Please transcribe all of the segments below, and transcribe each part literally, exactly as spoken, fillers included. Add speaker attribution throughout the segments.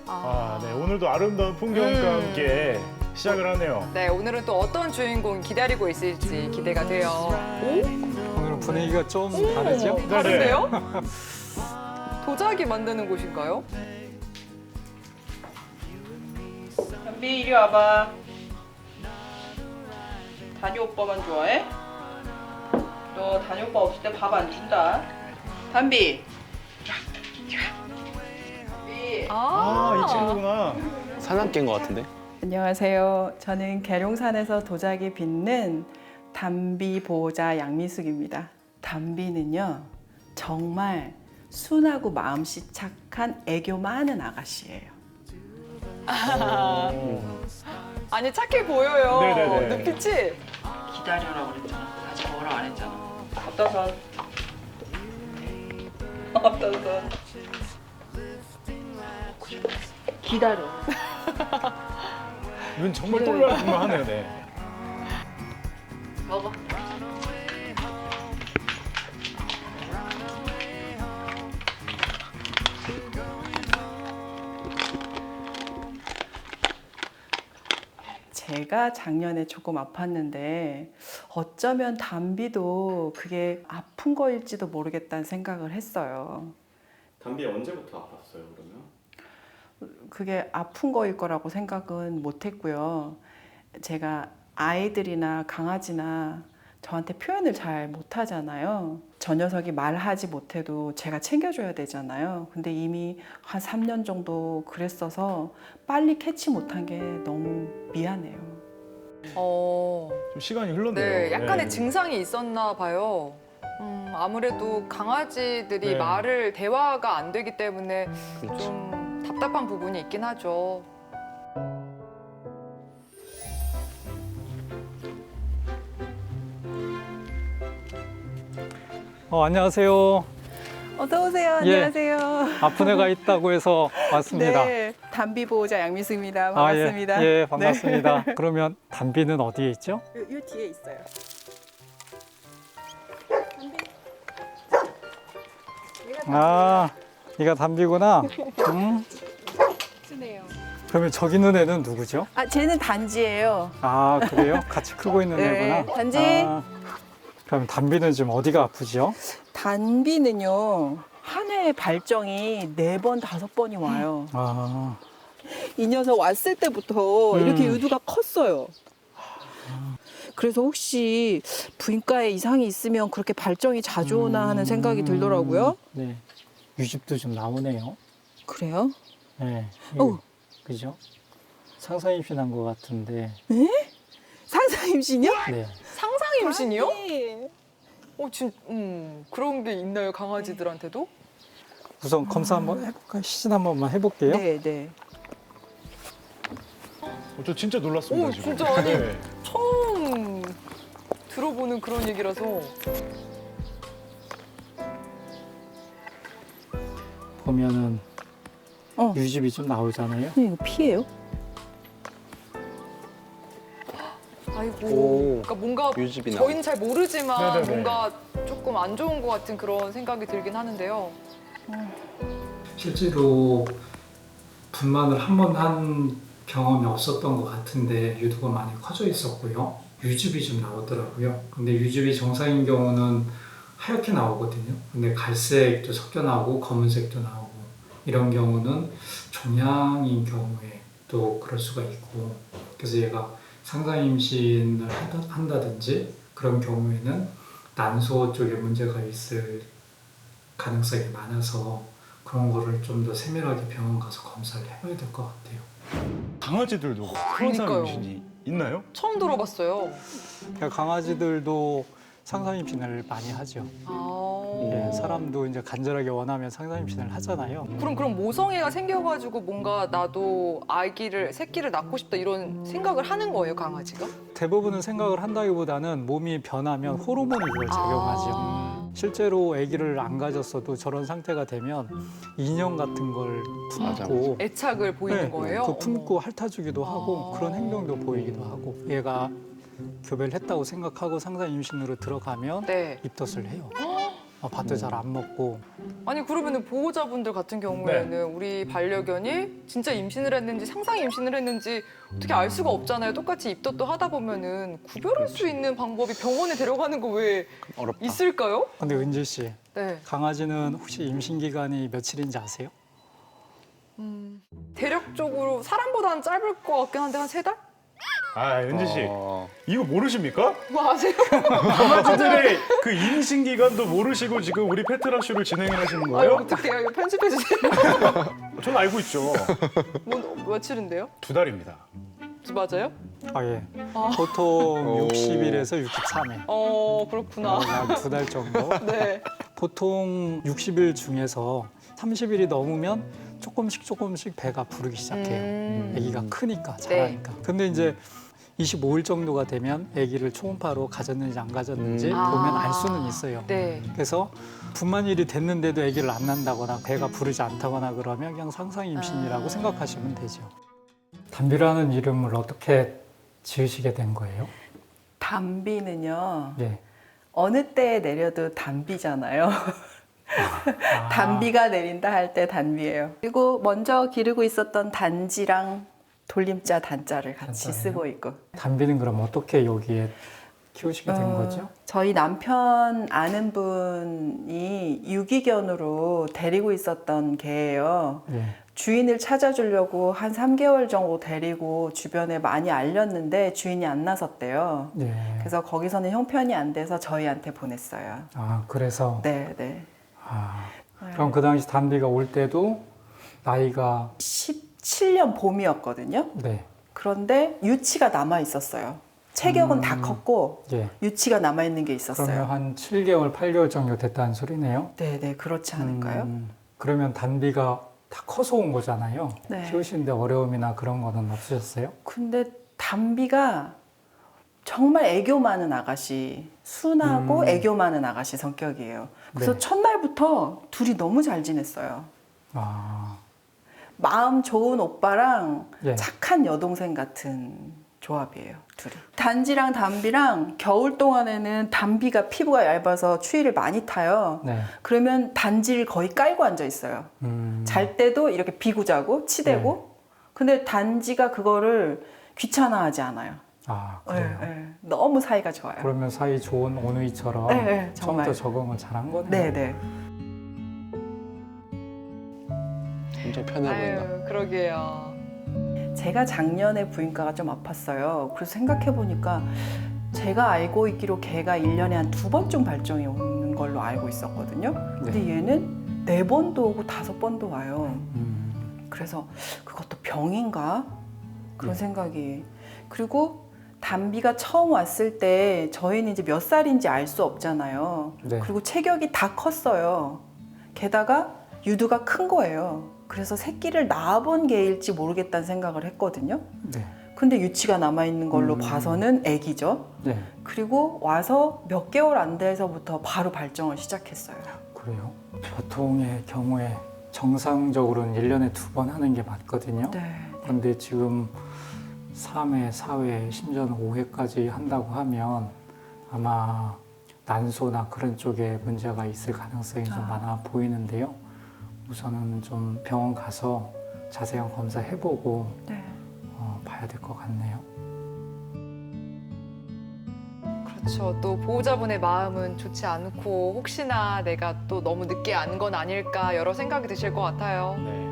Speaker 1: 아, 네. 오늘도 아름다운 풍경과
Speaker 2: 음.
Speaker 1: 함께 시작을 하네요.
Speaker 2: 네, 오늘은 또 어떤 주인공이 기다리고 있을지 기대가 돼요. 오?
Speaker 3: 오늘은 분위기가 좀 다르죠?
Speaker 2: 오, 다른데요? 도자기 만드는 곳인가요?
Speaker 4: 담비 이리 와봐. 다니 오빠만 좋아해? 너 다니 오빠 없을 때 밥 안 준다. 담비. 담비.
Speaker 1: 아, 이 친구구나.
Speaker 5: 사냥개인 것 같은데?
Speaker 6: 안녕하세요. 저는 계룡산에서 도자기 빚는 담비 보호자 양미숙입니다. 담비는요, 정말 순하고 마음씨 착한 애교 많은 아가씨예요.
Speaker 2: 아니, 착해 보여요.
Speaker 1: 네네네.
Speaker 2: 눈빛이.
Speaker 4: 기다려라 그랬잖아. 아직 뭐라 안 했잖아. 어떤 선? 어떤 선? 기다려.
Speaker 1: 이건 정말 똘랄뿐하네요, 네.
Speaker 4: 먹어.
Speaker 6: 제가 작년에 조금 아팠는데 어쩌면 담비도 그게 아픈 거일지도 모르겠다는 생각을 했어요.
Speaker 5: 담비 언제부터 아팠어요, 그러면?
Speaker 6: 그게 아픈 거일 거라고 생각은 못 했고요. 제가 아이들이나 강아지나 저한테 표현을 잘 못 하잖아요. 저 녀석이 말하지 못해도 제가 챙겨줘야 되잖아요. 근데 이미 한 삼 년 정도 그랬어서 빨리 캐치 못한 게 너무 미안해요.
Speaker 2: 어,
Speaker 1: 좀 시간이 흘렀네요.
Speaker 2: 네, 약간의
Speaker 1: 네.
Speaker 2: 증상이 있었나 봐요. 음, 아무래도 강아지들이
Speaker 1: 네.
Speaker 2: 말을 대화가 안 되기 때문에
Speaker 5: 그렇죠.
Speaker 2: 좀 답답한 부분이 있긴 하죠.
Speaker 3: 어, 안녕하세요.
Speaker 6: 어서 오세요.
Speaker 3: 예.
Speaker 6: 안녕하세요.
Speaker 3: 아픈 애가 있다고 해서 왔습니다.
Speaker 6: 네, 담비 보호자 양미숙입니다.
Speaker 3: 아,
Speaker 6: 반갑습니다.
Speaker 3: 예, 예, 반갑습니다. 그러면 담비는 어디에 있죠?
Speaker 6: 요, 요 뒤에 있어요.
Speaker 3: 아, 얘가 담비구나. 음,
Speaker 6: 쓰네요.
Speaker 3: 그러면 저기 있는 애는 누구죠?
Speaker 6: 아, 쟤는 단지예요.
Speaker 3: 아, 그래요? 같이 크고 있는
Speaker 6: 네,
Speaker 3: 애구나.
Speaker 6: 단지.
Speaker 3: 아, 그럼 담비는 지금 어디가 아프죠?
Speaker 6: 단비는요, 한 해의 발정이 네 번, 다섯 번이 와요.
Speaker 3: 아,
Speaker 6: 이 녀석 왔을 때부터
Speaker 3: 음.
Speaker 6: 이렇게 유두가 컸어요. 그래서 혹시 부인과에 이상이 있으면 그렇게 발정이 자주 오나 하는 생각이 들더라고요.
Speaker 3: 네. 유집도 좀 나오네요.
Speaker 6: 그래요?
Speaker 3: 네.
Speaker 6: 어우.
Speaker 3: 그죠? 상상 임신한 것 같은데.
Speaker 6: 상상 임신이요?
Speaker 3: 네.
Speaker 2: 상상 임신이요?
Speaker 6: 네.
Speaker 2: 어, 진, 음, 그런 게 있나요, 강아지들한테도?
Speaker 3: 우선 검사 한번 해볼까요? 시신 한 번만 해볼게요.
Speaker 6: 네, 네.
Speaker 1: 어, 저 진짜 놀랐습니다,
Speaker 2: 오,
Speaker 1: 지금.
Speaker 2: 진짜 아니.
Speaker 1: 네.
Speaker 2: 처음 들어보는 그런 얘기라서.
Speaker 3: 보면은
Speaker 6: 어.
Speaker 3: 유집이 좀 나오잖아요.
Speaker 6: 네, 이거 피예요?
Speaker 2: 아이고.
Speaker 5: 오,
Speaker 2: 그러니까 뭔가
Speaker 5: 유집이 나와.
Speaker 2: 저희는 잘 모르지만
Speaker 1: 네네네.
Speaker 2: 뭔가 조금 안 좋은 것 같은 그런 생각이 들긴 하는데요.
Speaker 3: 실제로 분만을 한 번 한 경험이 없었던 것 같은데 유두가 많이 커져 있었고요. 유즙이 좀 나오더라고요. 근데 유즙이 정상인 경우는 하얗게 나오거든요. 근데 갈색도 섞여 나오고 검은색도 나오고 이런 경우는 종양인 경우에 또 그럴 수가 있고, 그래서 얘가 상상 임신을 한다- 한다든지 그런 경우에는 난소 쪽에 문제가 있을 가능성이 많아서 그런 거를 좀 더 세밀하게 병원 가서 검사를 해봐야 될 것 같아요.
Speaker 1: 강아지들도 항상
Speaker 2: 그러니까요.
Speaker 1: 임신이 있나요?
Speaker 2: 처음 들어봤어요.
Speaker 3: 그러니까 강아지들도 상상 임신을 많이 하죠.
Speaker 2: 아.
Speaker 3: 예, 사람도 이제 간절하게 원하면 상상 임신을 하잖아요.
Speaker 2: 그럼 그럼 모성애가 생겨가지고 뭔가 나도 아기를 새끼를 낳고 싶다 이런 생각을 하는 거예요, 강아지가?
Speaker 3: 대부분은 생각을 한다기보다는 몸이 변하면 호르몬이 그걸 작용하죠.
Speaker 2: 아.
Speaker 3: 실제로 아기를 안 가졌어도 저런 상태가 되면 인형 같은 걸 품고
Speaker 2: 애착을 보이는
Speaker 3: 네,
Speaker 2: 거예요?
Speaker 3: 그 품고 핥아주기도 하고
Speaker 2: 아.
Speaker 3: 그런 행동도 보이기도 하고, 얘가 교배를 했다고 생각하고 상상 임신으로 들어가면
Speaker 2: 네.
Speaker 3: 입덧을 해요.
Speaker 7: 어, 밥도 잘 안 먹고.
Speaker 2: 아니 그러면은 보호자분들 같은 경우에는
Speaker 1: 네.
Speaker 2: 우리 반려견이 진짜 임신을 했는지 상상 임신을 했는지 어떻게 알 수가 없잖아요. 똑같이 입덧도 하다 보면은 구별할 수 있는 방법이 병원에 데려가는 거 왜
Speaker 5: 어렵다.
Speaker 2: 있을까요?
Speaker 7: 근데 은지 씨,
Speaker 2: 네.
Speaker 7: 강아지는 혹시 임신 기간이 며칠인지 아세요?
Speaker 2: 음, 대략적으로 사람보다는 짧을 것 같긴 한데 한 세 달?
Speaker 1: 아, 은지 씨.
Speaker 5: 어,
Speaker 1: 이거 모르십니까?
Speaker 2: 뭐 아세요?
Speaker 1: 강아지들의 그 임신 기간도 모르시고 지금 우리 페트라쇼를 진행을 하시는
Speaker 2: 아유
Speaker 1: 거예요?
Speaker 2: 어떡해요. 이거 편집해 주세요.
Speaker 1: 전 알고 있죠.
Speaker 2: 뭐, 며칠인데요?
Speaker 1: 두 달입니다.
Speaker 2: 맞아요?
Speaker 7: 아 예.
Speaker 2: 아.
Speaker 7: 보통
Speaker 5: 오.
Speaker 7: 육십 일에서 육십삼 일.
Speaker 2: 어 그렇구나.
Speaker 7: 두 달 정도.
Speaker 2: 네.
Speaker 7: 보통 육십 일 중에서 삼십 일이 넘으면 조금씩 조금씩 배가 부르기 시작해요.
Speaker 2: 음.
Speaker 7: 아기가 크니까 자라니까. 근데 이제 이십오 일 정도가 되면 아기를 초음파로 가졌는지 안 가졌는지
Speaker 5: 음.
Speaker 7: 보면 알
Speaker 2: 아.
Speaker 7: 수는 있어요.
Speaker 2: 네.
Speaker 7: 그래서 분만일이 됐는데도 아기를 안 낳는다거나 배가 부르지 않다거나 그러면 그냥 상상 임신이라고
Speaker 2: 아.
Speaker 7: 생각하시면 되죠. 담비라는 이름을 어떻게 지으시게 된 거예요?
Speaker 6: 담비는요.
Speaker 7: 예.
Speaker 6: 어느 때에 내려도 담비잖아요.
Speaker 7: 아,
Speaker 6: 담비가 내린다 할 때 담비예요. 그리고 먼저 기르고 있었던 단지랑 돌림자 단자를 같이
Speaker 7: 단자예요?
Speaker 6: 쓰고 있고.
Speaker 7: 담비는 그럼 어떻게 여기에 키우시게 된
Speaker 6: 어,
Speaker 7: 거죠?
Speaker 6: 저희 남편 아는 분이 유기견으로 데리고 있었던 개예요.
Speaker 7: 예.
Speaker 6: 주인을 찾아주려고 한 삼 개월 정도 데리고 주변에 많이 알렸는데 주인이 안 나섰대요.
Speaker 7: 예.
Speaker 6: 그래서 거기서는 형편이 안 돼서 저희한테 보냈어요.
Speaker 7: 아 그래서
Speaker 6: 네, 네.
Speaker 7: 아, 그럼 그 당시 담비가 올 때도 나이가
Speaker 6: 십칠 년 봄이었거든요.
Speaker 7: 네.
Speaker 6: 그런데 유치가 남아 있었어요. 체격은
Speaker 7: 음.
Speaker 6: 다 컸고
Speaker 7: 예.
Speaker 6: 유치가 남아 있는 게
Speaker 7: 그러면
Speaker 6: 있었어요.
Speaker 7: 한 칠 개월, 팔 개월 정도 됐다는 소리네요.
Speaker 6: 네, 네, 그렇지 않을까요?
Speaker 7: 음, 그러면 담비가 다 커서 온 거잖아요.
Speaker 6: 네.
Speaker 7: 키우시는데 어려움이나 그런 거는 없으셨어요?
Speaker 6: 근데 담비가 정말 애교 많은 아가씨, 순하고
Speaker 7: 음.
Speaker 6: 애교 많은 아가씨 성격이에요. 그래서
Speaker 7: 네.
Speaker 6: 첫날부터 둘이 너무 잘 지냈어요.
Speaker 7: 아,
Speaker 6: 마음 좋은 오빠랑
Speaker 7: 예.
Speaker 6: 착한 여동생 같은 조합이에요, 둘이. 단지랑 담비랑 겨울 동안에는 담비가 피부가 얇아서 추위를 많이 타요.
Speaker 7: 네.
Speaker 6: 그러면 단지를 거의 깔고 앉아 있어요.
Speaker 7: 음,
Speaker 6: 잘 때도 이렇게 비고 자고 치대고. 근데 단지가 그거를 귀찮아하지 않아요.
Speaker 7: 아, 그래요.
Speaker 6: 네, 네. 너무 사이가 좋아요.
Speaker 7: 그러면 사이 좋은 오누이처럼
Speaker 6: 네, 네, 정말.
Speaker 7: 처음부터 적응을 잘한 거네요.
Speaker 6: 네, 네.
Speaker 5: 굉장히 편해 보인다.
Speaker 2: 아유 그러게요.
Speaker 6: 제가 작년에 부인과가 좀 아팠어요. 그래서 생각해 보니까 제가 알고 있기로 개가 일 년에 한 두 번쯤 발정이 오는 걸로 알고 있었거든요. 근데
Speaker 7: 네.
Speaker 6: 얘는 네 번도 오고 다섯 번도 와요.
Speaker 7: 음,
Speaker 6: 그래서 그것도 병인가? 그런
Speaker 7: 네.
Speaker 6: 생각이. 그리고 담비가 처음 왔을 때 저희는 이제 몇 살인지 알 수 없잖아요.
Speaker 7: 네.
Speaker 6: 그리고 체격이 다 컸어요. 게다가 유두가 큰 거예요. 그래서 새끼를 낳아본 개일지 모르겠다는 생각을 했거든요.
Speaker 7: 네.
Speaker 6: 근데 유치가 남아있는 걸로
Speaker 7: 음.
Speaker 6: 봐서는 애기죠.
Speaker 7: 네.
Speaker 6: 그리고 와서 몇 개월 안 돼서부터 바로 발정을 시작했어요.
Speaker 7: 그래요. 보통의 경우에 정상적으로는 일 년에 두 번 하는 게 맞거든요.
Speaker 6: 네.
Speaker 7: 그런데 지금 삼 회, 사 회, 심지어는 오 회까지 한다고 하면 아마 난소나 그런 쪽에 문제가 있을 가능성이 좀
Speaker 6: 아.
Speaker 7: 많아 보이는데요. 우선은 좀 병원 가서 자세한 검사 해보고
Speaker 6: 네.
Speaker 7: 어, 봐야 될 것 같네요.
Speaker 2: 그렇죠. 또 보호자분의 마음은 좋지 않고 혹시나 내가 또 너무 늦게 안 건 아닐까 여러 생각이 드실 것 같아요.
Speaker 1: 네.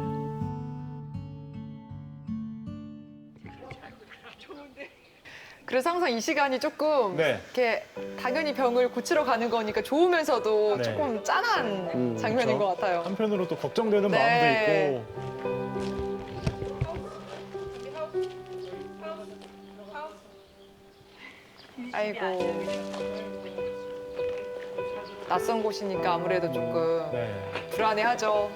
Speaker 2: 그래서 항상 이 시간이 조금
Speaker 1: 네.
Speaker 2: 이렇게 당연히 병을 고치러 가는 거니까 좋으면서도
Speaker 1: 네.
Speaker 2: 조금 짠한
Speaker 5: 음,
Speaker 2: 장면인
Speaker 1: 그렇죠.
Speaker 2: 것 같아요.
Speaker 1: 한편으로 또 걱정되는
Speaker 2: 네.
Speaker 1: 마음도 있고.
Speaker 2: 아이고. 낯선 곳이니까 아무래도 조금
Speaker 1: 네.
Speaker 2: 불안해하죠.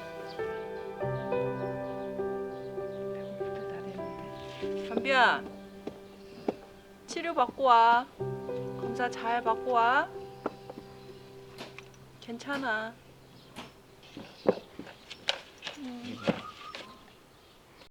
Speaker 4: 담비야, 치료 받고 와. 검사 잘 받고 와. 괜찮아. 음.